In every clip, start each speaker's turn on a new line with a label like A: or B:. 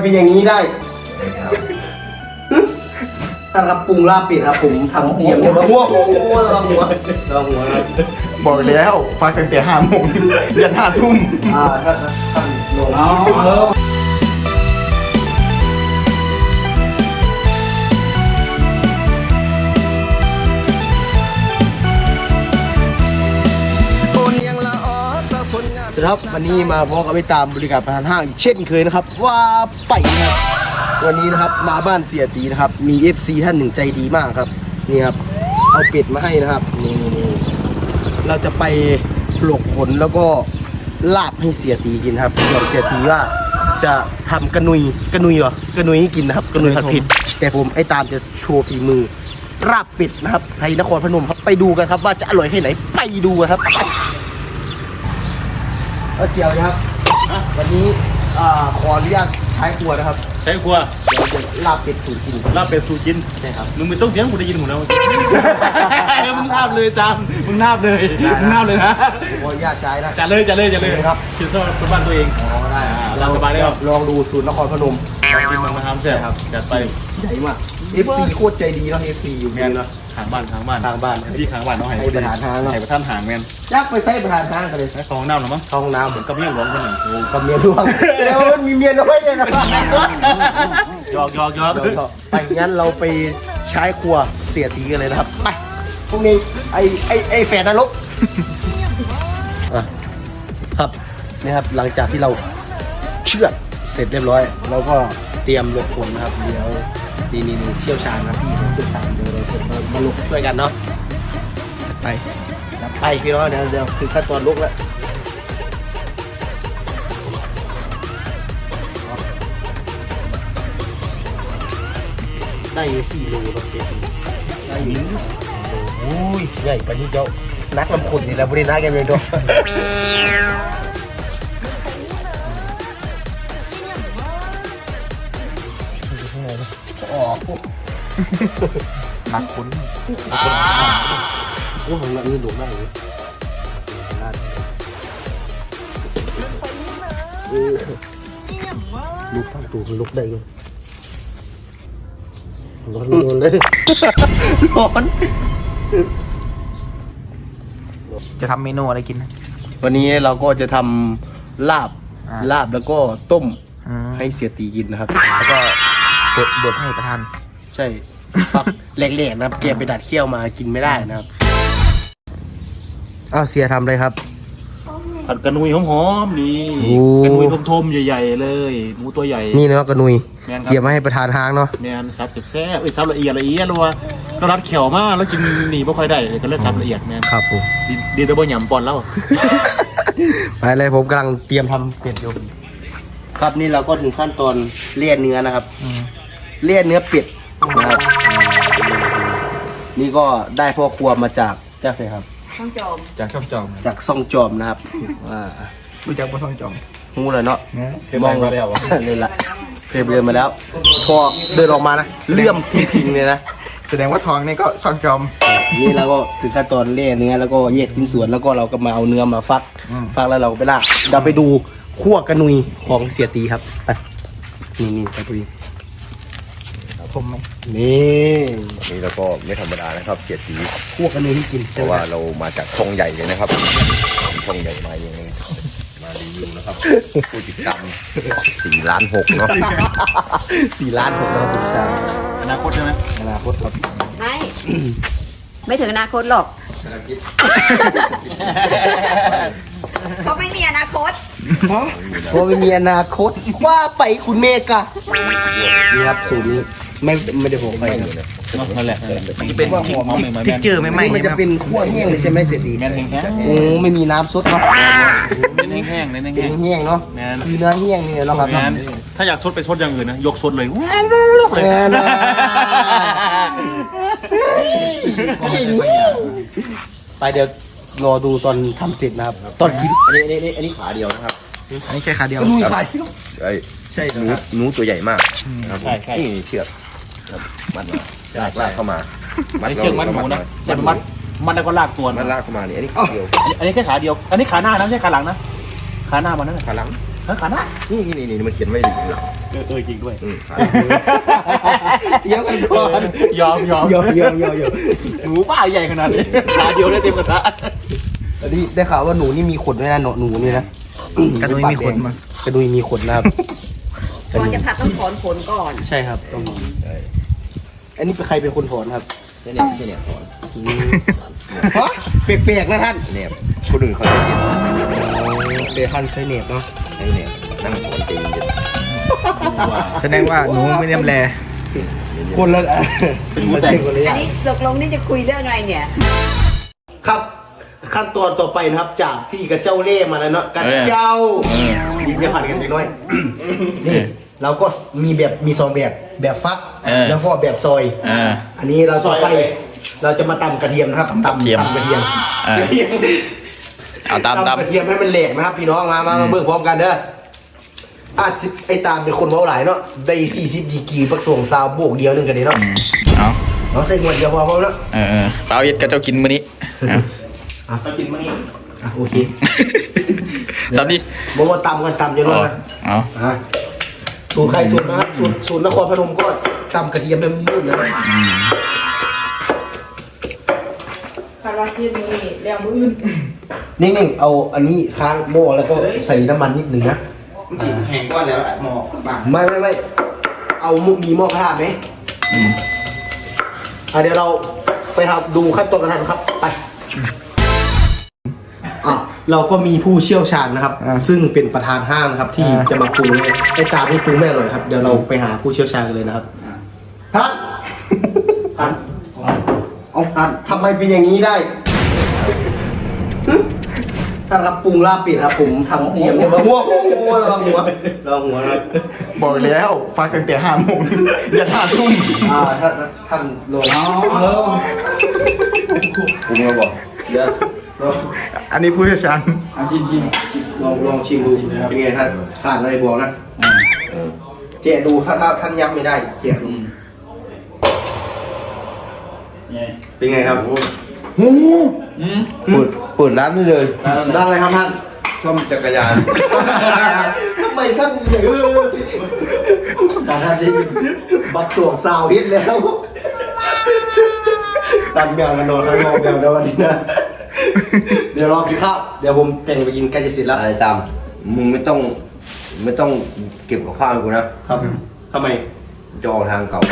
A: เป็นอย่างนี้ได้ท่านครับปรุงลาบเป็ดครับผมทำเตรียมเนี่ยมาหัวลองหัวครับ
B: บอกแล้วฟังตั้งแต่5 โมงยัน5 ทุ่ม
A: ท่านลงสวัสดีครับวันนี้มาพบกับไปตามบริการประธานห้างเช่นเคยนะครับว่าไปนะครับวันนี้นะครับมาบ้านเสียตีนะครับมี FC ท่านหนึ่งใจดีมากครับนี่ครับเอาเป็ดมาให้นะครับนี่เราจะไปปลกขนแล้วก็ลาบให้เสียตีกินครับส่วนเสียตีว่าจะทำกระนุยเหรอกระนุยให้กินนะครับกระนุยผัดเผ็ดแต่ผมไอ้ตามจะโชว์ฝีมือลาบเป็ดนะครับไทยนครพนมครับไปดูกันครับว่าจะอร่อยแค่ไหนไปดูกันครับก็เสียวนะครับวันนี้ขออนุญาตใช้ครัวนะครับ
C: ใช้ครัว
A: เดี๋ยวจะลาบเป็ดสูตรจริง
C: ลาบเป็ดสูตรกิน
A: ใช่ครับ
C: มึงไม่ต้องเสียงกูได้ยินหมดแล้ว มึงทาบเลยจามมึงทาบเลยมึงทาบเลยนะ
A: ขออนุญาตใช้นะ
C: จัดเลยครับคิดว่าคนบ้านตัวเอง
A: ได้
C: เราสบายได้ครับ
A: ลองดูสูตรนครพนม
C: กินมันมาทำเสร็จครับจัดไป
A: ใหญ่มาก FC โคตรใจดีเนาะ FC อยู่
C: แม
A: นี่
C: น
A: เนาะ
C: ทางบ้าน
A: ทางบ้าน
C: ที่ทางบ้านน้องไห้
A: ให้ประธานทางเนาะ
C: ไห้ประธานห่างแมน
A: ยักไปใส่ประธานทางกันเลย
C: ใช้ฟองน้ำหรอมั้ง
A: เข้าห้องน้ำ
C: กับเมียหลวงคนหนึ่ง
A: กับเมียร่วงแสดงว่ามันมีเมียน้อยเนี่ยนะ
C: หยอก
A: ไปงั้นเราไปใช้ครัวเสียตีกันเลยนะครับไปพวกนี้ไอแฝดนรกครับนี่ครับหลังจากที่เราเชือดเสร็จเรียบร้อยเราก็เตรียมลกขนนะครับเดี๋ยวนี่เชี่ยวชาญนะพี่เชี่ยวชาญเดี๋ยวเราจะมาลกช่วยกันเนาะไปพี่น้องเดี๋ยวถึงขั้นตอนลกแล้วได้อยู่4 โลครับเด็กได้อยู่โอ้ยใหญ่ปานนี้เจ้านักลำขุดนี่แหละบริณาแกเป็นตัวนักคุ้นโอ้ผมละนี่ดุมากเลยลุกทั้งตัวคือลุกได้เลยร้อนเลยร้อน
B: จะทำเมนูอะไรกินนะ
A: วันนี้เราก็จะทำลาบแล้วก็ต้มให้เสียตีกินนะครับ
B: แล้วก็บดให้ประธาน
A: ใช่ฟักแหลกๆนะครับเก็บไปดัดเขี้ยวมากินไม่ได้นะครับอ้าวเสียทำเลยครับ
C: ผัดกระนุยหอมๆดี
A: โอ้
C: กระนุยทมๆใหญ่ๆเลยหมูตัวใหญ่
A: นี่เนาะกระนุย
C: แม่นครับ
A: เกี่ยวมาให้ประธานทางเนาะ
C: แมนซับแซ่บซับละเอียดแล้วว่าเรารัดเขียวมากแล้วกินหนีไม่ค่อยได้ก็เลยซับละเอียดแมน
A: ครับผม
C: ดีดับเบิลหยำปอนแล้ว
A: ไปเลยผมกำลังเตรียมทำเป็ดอยู่ครับนี่เราก็ถึงขั้นตอนเลี่ยเนื้อนะครับเลี่ยเนื้อเป็ดนะครับนี่ก็ได้พ่อครัวมาจากเจ้าเสครับ
D: ช่องโจม
B: จากช่องจอม
A: จากซ่องจอมนะครับว่า
B: รู้จักว่าช่องจอม
A: หูเลยเนาะ
C: มองมาแล้ว
A: นี่แหละเคยเดินมาแล้วพอเดินออกมานะเลื่อมจริงๆเลยนะ
B: แสดงว่าทองนี่ก็ช่องจอม
A: นี่เราก็ถึงขั้นตอนเล่เนื้อแล้วก็แยกชิ้นส่วนแล้วก็เราก็มาเอาเนื้อมาฟักแล้วเราก็ไปลาบเราไปดูคั่วกระนุยของเสียตีครับไปนี่ไปดู
B: ผมไหม
A: นี่
E: นี่เราก็ไม่ธรรมดานะครับเกียรติ
A: คั่วกระนุยที่กิน
E: เพราะว่าเรามาจากช่องใหญ่เลยนะครับช่องใหญ่มาเองมารีวิวนะครับผู้ติดตาม4.6 ล้านเนาะ
A: 4 ล้านผมเราผู้ชาย
C: อนาคตใช่ไหม
A: อนาคตครับ
D: ไม่ไม่ถึงอนาคตหรอกเขาไม่มีอนาคต
A: เพราะไม่มีอนาคตว่าไปคุณเมกะนี่ครับสูตรนี้ไม่ได้ผมไปนะ
C: นั่นแหละ
B: มันจะเป็นทิกเจอร์ไม่ไหม
A: นี่มันจะเป็นคั่วแห้งเลยใช่ไหมเสียตี
C: แมนแห้ง
A: โอ้ไม่มีน้ำซดเนาะ
C: ๆเน้นแห้งๆเน้น
A: เป็น
C: แห้ง
A: แห้งเนาะ
C: แมน
A: คือเนื้อแห้งนี่เนาะครับ
C: แมนถ้าอยากซดไปซดอย่างอื่นนะยกซดเลย
A: แม่นะไปเดี๋ยวรอดูตอนทำเสร็จนะครับ ตอนกิน
E: อันนี้ขาเดียวนะครับ
B: อันนี้แค่ขาเดียว
A: ก็ดูใส่
E: ไอ้
A: ใช่
E: หนูตัวใหญ่มากนะครับนี่เชือกมัดมาลากเข้ามา
C: อันนี้เชือกมัดหมูนะแต่มันแล้วก็ลากตัว
E: มัดลากเข้ามานี่อันนี้ขาเดียว
C: อันนี้แค่ขาเดียว อันนี้ขาหน้านะไม่ใช่ขาหลังนะขาหน้ามันนั่นแหละ
E: ขาหลังนี่มันเขียนไว้อยู่ข้างหลัง
C: จริงด้วย
A: เตี้ยกันก่อน
C: ยอม
A: ยอม
C: หนูป้าใหญ่ขนาดนี้ชาเดียวได้เต็มกระทะ
A: อันนี้ได้ข่าวว่าหนูนี่มีขนด้วยนะหนูนี่นะ
B: กระดุยมีขนมั้ย
A: กระดุยมีขนนะครับ
D: ก่อนจะผัดต้องถอนขนก่อน
A: ใช่ครับต้องอันนี้เป็นใครเป็นคนถอนครับ
E: เนี่ยสอน
A: ฮะเปียกๆนะท่าน
E: เนี่ยคนอื่นเขาจะเขียน
A: เบทันใช้เน็บเนาะ
E: ให้เนี่ยนั่งสอนใจเย็น
B: แสดงว่าหนูไม่เนียมแล
A: คนละมาเช็คคนละอ
D: อัน
A: ย่าง
D: นี้ตกลงนี่จะคุยเรื่องอะไรเนี่ย
A: ครับ ขั้นตอนต่อไปนะครับ จากที่กระเจ้าเล่มาแล้วเนาะกระเจ้าดินจะผ่านกันเล็กน้อยนี่เราก็มีแบบมีสองแบบฟักแล้วก็แบบซอย อันนี้เราต่อไปเราจะมาตำกระเทียมนะครับตำกระเทียม
B: เอาตาม
A: ตำกระเทียมให้มันแหลกนะครับ พี่น้องมาเบิ่งพร้อมกันเด้อไอ้ตามเป็นคนเว้าหลายเนาะได้40 ดีกรีปักส่งซาวโบกเดียวนึงกันนี่เนาะ
B: เอา
A: เราใส่หัวเดียวพอเนาะ
B: เปล่าเย็ดกับเจ้ากินมื้อนี้
A: ไปกินมื้อนี้โอเค
B: สวัสดี
A: บ่ว่าตำกันตำอยู่เนาะ
B: เอา
A: สูตรใครสูตรนะครับสูตรนครพนมก็ตำกระเทียมเป็นมืดนะครับ
F: คาราซีนี่แล้วมืออื่น
A: นิ่งๆเอาอันนี้ค้างหม้อแล้วก็ใส่น้ำมันนิดหนึ่งนะ
B: แหงก้อนแล้วหมอบ้า
A: ไม่เอามีหม้อกระทะไหมเดี๋ยวเราไปทำดูขั้นตอนการทำครับไปเราก็มีผู้เชี่ยวชาญนะครับ ซึ่งเป็นประธานห้างนะครับ ที่จะมาปรุงไอ้ตามที่ปรุงไม่อร่อยครับเดี๋ยวเราไปหาผู้เชี่ยวชาญกันเลยนะครับท่านเอาท่านทำไมเป็นอย่างนี้ได้ท่านครับปรุงลาบเป็ดครับผมทำเตรียมเนี่ยมาหัวระวังหัวครับ
B: บอกแล้วฟังตั้งแต่5 โมงยัน5 ทุ่ม
A: ท่านลง
E: ๆผมก็บอก
A: เดี๋ยวลอง
B: อันนี้ผู้เชี่ยวชาญ
A: ลองชิมดูเป็นไงท่านขาดอะไรบอกนะแกะดูถ้าท่านย้ำไม่ได้แกะดูเป็นไงครับ
E: เปิดร้านได้เลย
A: ด้านอะไรครับท่าน
E: ซ่อมจักรยาน
A: ทำไมท่านท่านที่บักสวงสาวฮิตแล้วตันแมวกันนอนข้างนอกแมวแล้ววันนี้นะเดี๋ยวรอกินข้าวเดี๋ยวผมแต่งไปกินใกล้จะเสร็จแล้ว
E: อะไรตามมึงไม่ต้องเก็บกับข้าวให้กูนะครับ
A: ทำไม
E: จะออกทางเก่า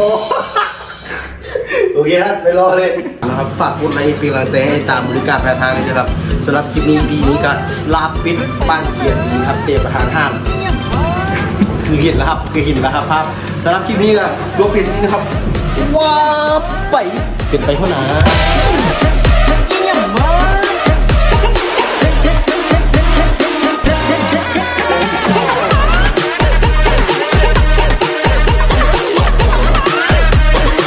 A: โอเคครับไปรอเลยนะครับฝากกดไลค์เป็นกำลังใจให้ตามบริการประธานเลยนะครับสำหรับคลิปนี้ปีนี้ก็ลาปิดบ้านเสียดีครับเตะประธานห้างคือเห็นแล้วครับภาพสำหรับคลิปนี้ก็ยกเพจนี้นะครับว้าไปเป็นไปเท่านั้น